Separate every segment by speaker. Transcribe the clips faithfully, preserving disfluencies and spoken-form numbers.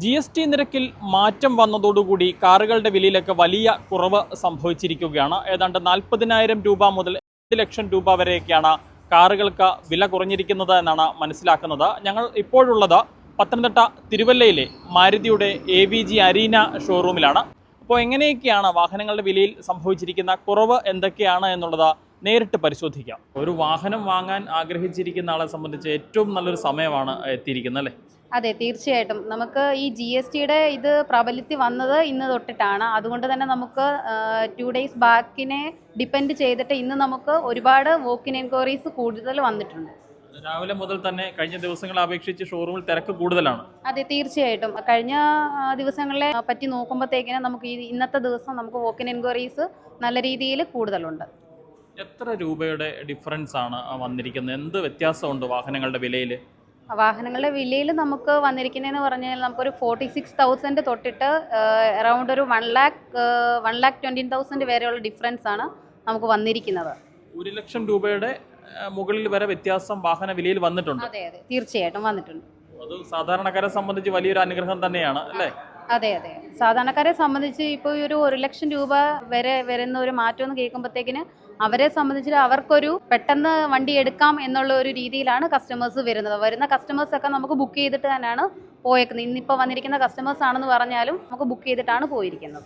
Speaker 1: G S T നിരക്കിൽ മാറ്റം വന്നതോടുകൂടി കാറുകളുടെ വിലയിലൊക്കെ വലിയ കുറവ് സംഭവിച്ചിരിക്കുകയാണ്. ഏതാണ്ട് നാൽപ്പതിനായിരം രൂപ മുതൽ അഞ്ച് ലക്ഷം രൂപ വരെയൊക്കെയാണ് കാറുകൾക്ക് വില കുറഞ്ഞിരിക്കുന്നത് എന്നാണ് മനസ്സിലാക്കുന്നത്. ഞങ്ങൾ ഇപ്പോഴുള്ളത് പത്തനംതിട്ട തിരുവല്ലയിലെ മാരുതിയുടെ എ വി ജി അരീന ഷോറൂമിലാണ്. അപ്പോൾ എങ്ങനെയൊക്കെയാണ് വാഹനങ്ങളുടെ വിലയിൽ സംഭവിച്ചിരിക്കുന്ന കുറവ് എന്തൊക്കെയാണ് എന്നുള്ളത് നേരിട്ട് പരിശോധിക്കാം. ഒരു വാഹനം വാങ്ങാൻ ആഗ്രഹിച്ചിരിക്കുന്ന ആളെ സംബന്ധിച്ച് ഏറ്റവും നല്ലൊരു സമയമാണ് എത്തിയിരിക്കുന്നത് അല്ലേ?
Speaker 2: അതെ, തീർച്ചയായിട്ടും. നമുക്ക് ഈ ജി എസ് ടിയുടെ ഇത് പ്രാബല്യത്തിൽ വന്നത് ഇന്ന് തൊട്ടിട്ടാണ്. അതുകൊണ്ട് തന്നെ നമുക്ക് ടു ഡേയ്സ് ബാക്കിനെ ഡിപ്പെൻഡ് ചെയ്തിട്ട് ഇന്ന് നമുക്ക് ഒരുപാട് വോക്കിൻ എൻക്വയറീസ് കൂടുതൽ വന്നിട്ടുണ്ട്.
Speaker 1: രാവിലെ മുതൽ തന്നെ കഴിഞ്ഞ ദിവസങ്ങളെ അപേക്ഷിച്ച് ഷോറൂമിൽ തിരക്ക് കൂടുതലാണ്.
Speaker 2: അതെ, തീർച്ചയായിട്ടും. കഴിഞ്ഞ ദിവസങ്ങളെ പറ്റി നോക്കുമ്പോഴത്തേക്കിന് നമുക്ക് ഈ ഇന്നത്തെ ദിവസം നമുക്ക് വോക്കിൻ എൻക്വയറീസ് നല്ല രീതിയിൽ കൂടുതലുണ്ട്.
Speaker 1: എത്ര രൂപയുടെ ഡിഫറൻസ് ആണ് വന്നിരിക്കുന്നത്? എന്ത് വ്യത്യാസമുണ്ട് വാഹനങ്ങളുടെ വിലയിൽ?
Speaker 2: വാഹനങ്ങളുടെ വിലയിൽ നമുക്ക് വന്നിരിക്കുന്നതെന്ന് പറഞ്ഞാൽ നമുക്കൊരു ഫോർട്ടി സിക്സ് തൗസൻഡ് തൊട്ടിട്ട് അറൗണ്ട് ഒരു one lakh one lakh twenty thousand വരെയുള്ള ഡിഫറൻസ് ആണ് നമുക്ക് വന്നിരിക്കുന്നത്.
Speaker 1: ഒരു ലക്ഷം രൂപയുടെ മുകളിൽ വരെ വ്യത്യാസം വാഹന വിലയിൽ വന്നിട്ടുണ്ട്.
Speaker 2: അതെ അതെ, തീർച്ചയായിട്ടും വന്നിട്ടുണ്ട്.
Speaker 1: അത് സാധാരണക്കാരെ സംബന്ധിച്ച് വലിയൊരു അനുഗ്രഹം തന്നെയാണ് അല്ലേ?
Speaker 2: അതെ അതെ, സാധാരണക്കാരെ സംബന്ധിച്ച് ഇപ്പോൾ ഈ ഒരു ഒരു ലക്ഷം രൂപ വരെ വരുന്ന ഒരു മാറ്റം എന്ന് കേൾക്കുമ്പോഴത്തേക്കിന് അവരെ സംബന്ധിച്ച് അവർക്കൊരു പെട്ടെന്ന് വണ്ടി എടുക്കാം എന്നുള്ള ഒരു രീതിയിലാണ് കസ്റ്റമേഴ്സ് വരുന്നത്. വരുന്ന കസ്റ്റമേഴ്സൊക്കെ നമുക്ക് ബുക്ക് ചെയ്തിട്ട് തന്നെയാണ് പോയേക്കുന്നത്. ഇന്നിപ്പോൾ വന്നിരിക്കുന്ന കസ്റ്റമേഴ്സ് ആണെന്ന് പറഞ്ഞാലും നമുക്ക് ബുക്ക് ചെയ്തിട്ടാണ് പോയിരിക്കുന്നത്.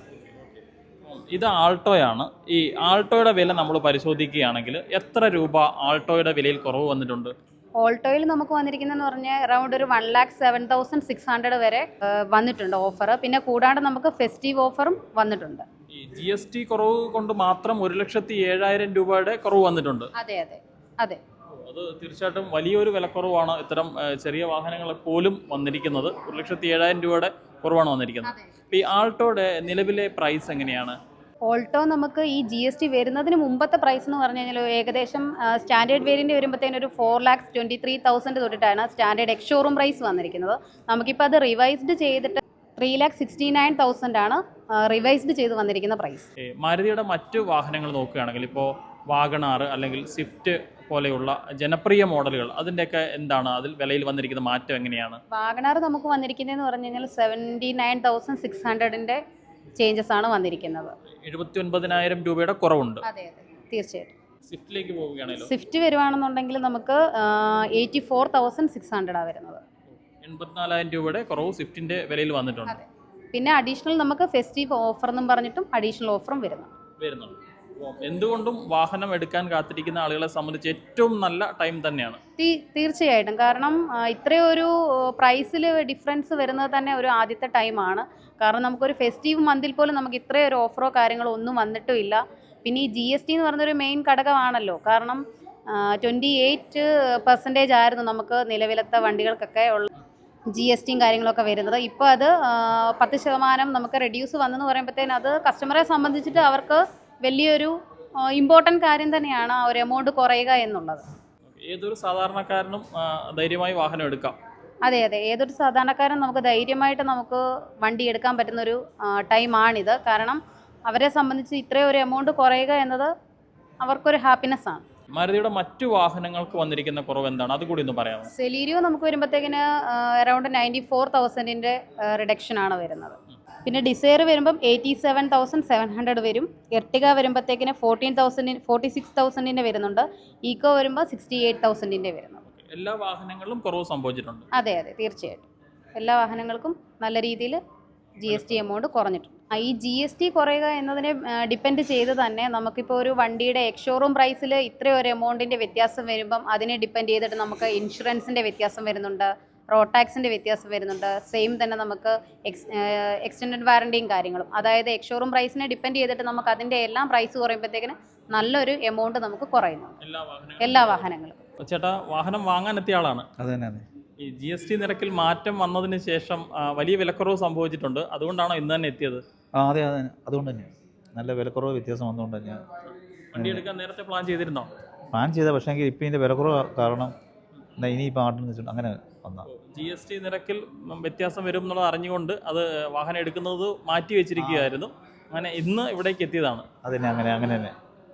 Speaker 1: ഇത് ആൾട്ടോയാണ്. ഈ ആൾട്ടോയുടെ വില നമ്മൾ പരിശോധിക്കുകയാണെങ്കിൽ എത്ര രൂപ ആൾട്ടോയുടെ വിലയിൽ കുറവ് വന്നിട്ടുണ്ട്?
Speaker 2: ഓൾട്ടോയിൽ നമുക്ക് വന്നിരിക്കുന്നതെന്ന് പറഞ്ഞാൽ അറൗണ്ട് ഒരു one lakh seven thousand six hundred വരെ വന്നിട്ടുണ്ട് ഓഫർ. പിന്നെ കൂടാണ്ട് നമുക്ക് ഫെസ്റ്റീവ് ഓഫറും വന്നിട്ടുണ്ട്.
Speaker 1: ഈ ജി എസ് ടി കുറവ് കൊണ്ട് മാത്രം ഒരു ലക്ഷത്തി ഏഴായിരം രൂപയുടെ കുറവ് വന്നിട്ടുണ്ട്.
Speaker 2: അതെ അതെ അതെ,
Speaker 1: അത് തീർച്ചയായിട്ടും വലിയൊരു വിലക്കുറവാണ് ഇത്തരം ചെറിയ വാഹനങ്ങൾ പോലും വന്നിരിക്കുന്നത്. ഒരു ലക്ഷത്തി ഏഴായിരം രൂപയുടെ കുറവാണ് വന്നിരിക്കുന്നത്. ഈ ആൾട്ടോയുടെ നിലവിലെ പ്രൈസ് എങ്ങനെയാണ്?
Speaker 2: ഓൾട്ടോ നമുക്ക് ഈ ജി എസ് ടി വരുന്നതിന് മുമ്പത്തെ പ്രൈസ് എന്ന് പറഞ്ഞു കഴിഞ്ഞാൽ ഏകദേശം സ്റ്റാൻഡേർഡ് വേരിയൻ്റ് വരുമ്പോഴത്തേനും ഒരു four lakhs twenty three thousand തൊട്ടിട്ടാണ് സ്റ്റാൻഡേർഡ് എക്സ് ഷോറൂം പ്രൈസ് വന്നിരിക്കുന്നത്. നമുക്കിപ്പോൾ അത് റിവൈസ്ഡ് ചെയ്തിട്ട് three lakh sixty nine thousand ആണ് റിവൈസ്ഡ് ചെയ്ത് വന്നിരിക്കുന്ന പ്രൈസ്.
Speaker 1: മാരുതിയുടെ മറ്റു വാഹനങ്ങൾ നോക്കുകയാണെങ്കിൽ ഇപ്പോൾ വാഗണാർ അല്ലെങ്കിൽ സ്വിഫ്റ്റ് പോലെയുള്ള ജനപ്രിയ മോഡലുകൾ, അതിൻ്റെയൊക്കെ എന്താണ് അതിൽ വിലയിൽ വന്നിരിക്കുന്ന മാറ്റം എങ്ങനെയാണ്?
Speaker 2: വാഗണാർ നമുക്ക് വന്നിരിക്കുന്നതെന്ന് പറഞ്ഞു കഴിഞ്ഞാൽ സെവൻറ്റി നയൻ തൗസൻഡ് സിക്സ് ഹൺഡ്രഡിൻ്റെ ചേഞ്ചസ് ആണ് വന്നിരിക്കുന്നത്.
Speaker 1: എഴുപത്തി ഒൻപതിനായിരം രൂപയുടെ കുറവുണ്ട്.
Speaker 2: അതെ അതെ, തീർച്ചയായിട്ടും.
Speaker 1: സ്വിഫ്റ്റിലേക്ക് പോവുകയാണല്ലോ,
Speaker 2: സ്വിഫ്റ്റ് വരുവാണെന്നുണ്ടെങ്കിൽ നമുക്ക് എയ്റ്റി ഫോർ തൗസൻഡ് സിക്സ് ഹൺഡ്രഡാണ് വരുന്നത്.
Speaker 1: എൺപത്തിനാലായിരം രൂപയുടെ കുറവ് സ്വിഫ്റ്റിന്റെ വിലയിൽ വന്നിട്ടുണ്ട്.
Speaker 2: പിന്നെ അഡീഷണൽ നമുക്ക് ഫെസ്റ്റീവ് ഓഫർ എന്നും പറഞ്ഞിട്ടും അഡീഷണൽ ഓഫറും വരുന്നു
Speaker 1: വരുന്നുണ്ട്. എന്തുകൊണ്ടും വാഹനം എടുക്കാൻ കാത്തിരിക്കുന്ന ആളുകളെ സംബന്ധിച്ച് ഏറ്റവും നല്ല ടൈം തന്നെയാണ്.
Speaker 2: തീർച്ചയായിട്ടും. കാരണം ഇത്രയും ഒരു പ്രൈസിൽ ഡിഫറൻസ് വരുന്നത് തന്നെ ഒരു ആദ്യത്തെ ടൈമാണ്. കാരണം നമുക്കൊരു ഫെസ്റ്റീവ് മന്തിൽ പോലും നമുക്ക് ഇത്രയും ഒരു ഓഫറോ കാര്യങ്ങളോ ഒന്നും വന്നിട്ടും ഇല്ല. പിന്നെ ഈ ജി എസ് ടി എന്ന് പറയുന്നൊരു മെയിൻ ഘടകമാണല്ലോ. കാരണം ട്വൻറ്റി എയ്റ്റ് പെർസെൻറ്റേജ് ആയിരുന്നു നമുക്ക് നിലവിലത്തെ വണ്ടികൾക്കൊക്കെ ഉള്ള ജി എസ് ടിയും കാര്യങ്ങളൊക്കെ വരുന്നത്. ഇപ്പോൾ അത് പത്ത് ശതമാനം നമുക്ക് റെഡ്യൂസ് വന്നെന്ന് പറയുമ്പോഴത്തേനും അത് കസ്റ്റമറെ സംബന്ധിച്ചിട്ട് അവർക്ക് വലിയൊരു ഇമ്പോർട്ടൻ്റ് കാര്യം തന്നെയാണ് ആ ഒരു എമൗണ്ട് കുറയുക എന്നുള്ളത്.
Speaker 1: ഏതൊരു സാധാരണക്കാരനും ധൈര്യമായി വാഹനം എടുക്കാം.
Speaker 2: അതെ അതെ, ഏതൊരു സാധാരണക്കാരനും നമുക്ക് ധൈര്യമായിട്ട് നമുക്ക് വണ്ടി എടുക്കാൻ പറ്റുന്നൊരു ടൈമാണിത്. കാരണം അവരെ സംബന്ധിച്ച് ഇത്രയും ഒരു എമൗണ്ട് കുറയുക എന്നത് അവർക്കൊരു ഹാപ്പിനെസ് ആണ്.
Speaker 1: മാരുതിയുടെ മറ്റു വാഹനങ്ങൾക്ക് വന്നിരിക്കുന്ന കുറവ് എന്താണ്? അതുകൂടി ഒന്ന് പറയാമോ?
Speaker 2: സെലീരിയോ നമുക്ക് വരുമ്പോഴത്തേക്കിന് അറൗണ്ട് നയൻറ്റി ഫോർ തൗസൻഡിൻ്റെ റിഡക്ഷൻ ആണ് വരുന്നത്. പിന്നെ ഡിസയർ വരുമ്പം eighty seven thousand seven hundred വരും. എർട്ടിക വരുമ്പോഴത്തേക്കിന് ഫോർട്ടീൻ തൗസൻഡ് ഫോർട്ടി സിക്സ് തൗസൻഡിൻ്റെ വരുന്നുണ്ട്. ഈക്കോ വരുമ്പോൾ സിക്സ്റ്റി എയ്റ്റ് തൗസൻഡിൻ്റെ വരുന്നുണ്ട്.
Speaker 1: എല്ലാ വാഹനങ്ങളിലും കുറവ് സംഭവിച്ചിട്ടുണ്ട്.
Speaker 2: അതെ അതെ, തീർച്ചയായിട്ടും. എല്ലാ വാഹനങ്ങൾക്കും നല്ല രീതിയിൽ ജി എസ് ടി എമൗണ്ട് കുറഞ്ഞിട്ടുണ്ട്. ഈ ജി എസ് ടി കുറയുക എന്നതിനെ ഡിപ്പെൻഡ് ചെയ്ത് തന്നെ നമുക്കിപ്പോൾ ഒരു വണ്ടിയുടെ എക്സ് ഷോറൂം പ്രൈസിൽ ഇത്രയും ഒരു എമൗണ്ടിൻ്റെ വ്യത്യാസം വരുമ്പം അതിനെ ഡിപ്പെൻഡ് ചെയ്തിട്ട് നമുക്ക് ഇൻഷുറൻസിൻ്റെ വ്യത്യാസം വരുന്നുണ്ട്, റോഡ് ടാക്സിൻ്റെ വ്യത്യാസം വരുന്നുണ്ട്. സെയിം തന്നെ നമുക്ക് എക്സ് എക്സ്റ്റൻഡഡ് വാറണ്ടിയും കാര്യങ്ങളും. അതായത് എക്സ് ഷോറൂം പ്രൈസിനെ ഡിപ്പെൻഡ് ചെയ്തിട്ട് നമുക്ക് അതിൻ്റെ എല്ലാം പ്രൈസ് കുറയുമ്പോഴത്തേക്കിന് നല്ലൊരു എമൗണ്ട് നമുക്ക് കുറയുന്നു എല്ലാ വാഹനങ്ങളും.
Speaker 1: ചേട്ടാ, വാഹനം വാങ്ങാൻ എത്തിയ ആളാണ്.
Speaker 3: അത് തന്നെ.
Speaker 1: ഈ ജി എസ് ടി നിരക്കിൽ മാറ്റം വന്നതിന് ശേഷം വലിയ വിലക്കുറവ് സംഭവിച്ചിട്ടുണ്ട്. അതുകൊണ്ടാണോ ഇന്ന് തന്നെ എത്തിയത്?
Speaker 3: ആ അതെ അതെ, അതുകൊണ്ട് തന്നെയാണ്. നല്ല വിലക്കുറവ് വ്യത്യാസം വന്നുകൊണ്ട് തന്നെയാണ്.
Speaker 1: വണ്ടി എടുക്കാൻ നേരത്തെ പ്ലാൻ ചെയ്തിരുന്നോ?
Speaker 3: പ്ലാൻ ചെയ്ത, പക്ഷേ എങ്കിൽ ഇപ്പം ഇതിൻ്റെ വിലക്കുറവ് കാരണം ഇനിയിപ്പോൾ ആട്ടെന്ന് വെച്ചിട്ട് അങ്ങനെ വന്നാൽ
Speaker 1: ജി എസ് ടി നിരക്കിൽ വ്യത്യാസം വരും എന്നുള്ളത് അറിഞ്ഞുകൊണ്ട് അത് വാഹനം എടുക്കുന്നത് മാറ്റി വെച്ചിരിക്കുകയായിരുന്നു. അങ്ങനെ ഇന്ന് ഇവിടേക്ക് എത്തിയതാണ്.
Speaker 3: അതന്നെ, അങ്ങനെ അങ്ങനെ തന്നെ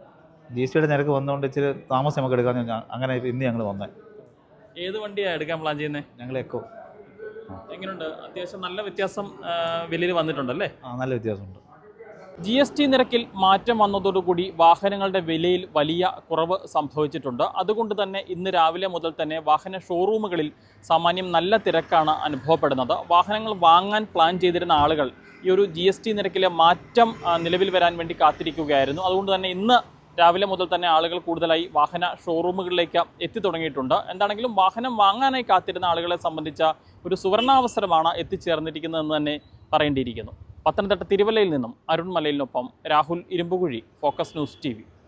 Speaker 3: ജി എസ് ടിയുടെ നിരക്ക് വന്നുകൊണ്ട് ഇച്ചിരി താമസം നമുക്ക് എടുക്കാമെന്ന് അങ്ങനെ ഇന്ന് ഞങ്ങൾ വന്നത്.
Speaker 1: ഏത് വണ്ടിയാണ് എടുക്കാൻ പ്ലാൻ ചെയ്യുന്നത്?
Speaker 3: ഞങ്ങൾ എക്കോ.
Speaker 1: എങ്ങനെയുണ്ട്? അത്യാവശ്യം നല്ല വ്യത്യാസം വിലയിൽ വന്നിട്ടുണ്ടല്ലേ?
Speaker 3: ആ നല്ല വ്യത്യാസമുണ്ട്.
Speaker 1: ജി എസ് ടി നിരക്കിൽ മാറ്റം വന്നതോടുകൂടി വാഹനങ്ങളുടെ വിലയിൽ വലിയ കുറവ് സംഭവിച്ചിട്ടുണ്ട്. അതുകൊണ്ട് തന്നെ ഇന്ന് രാവിലെ മുതൽ തന്നെ വാഹന ഷോറൂമുകളിൽ സാമാന്യം നല്ല തിരക്കാണ് അനുഭവപ്പെടുന്നത്. വാഹനങ്ങൾ വാങ്ങാൻ പ്ലാൻ ചെയ്തിരുന്ന ആളുകൾ ഈ ഒരു ജി എസ് ടി നിരക്കിലെ മാറ്റം നിലവിൽ വരാൻ വേണ്ടി കാത്തിരിക്കുകയായിരുന്നു. അതുകൊണ്ട് തന്നെ ഇന്ന് രാവിലെ മുതൽ തന്നെ ആളുകൾ കൂടുതലായി വാഹന ഷോറൂമുകളിലേക്ക് എത്തി തുടങ്ങിയിട്ടുണ്ട്. എന്താണെങ്കിലും വാഹനം വാങ്ങാനായി കാത്തിരുന്ന ആളുകളെ സംബന്ധിച്ച ഒരു സുവർണാവസരമാണ് എത്തിച്ചേർന്നിരിക്കുന്നതെന്ന് തന്നെ പറയേണ്ടിയിരിക്കുന്നു. പത്തനംതിട്ട തിരുവല്ലയിൽ നിന്നും അരുൺ മലയിലിനൊപ്പം Rahul Irumbukuzhi, Focus News T V.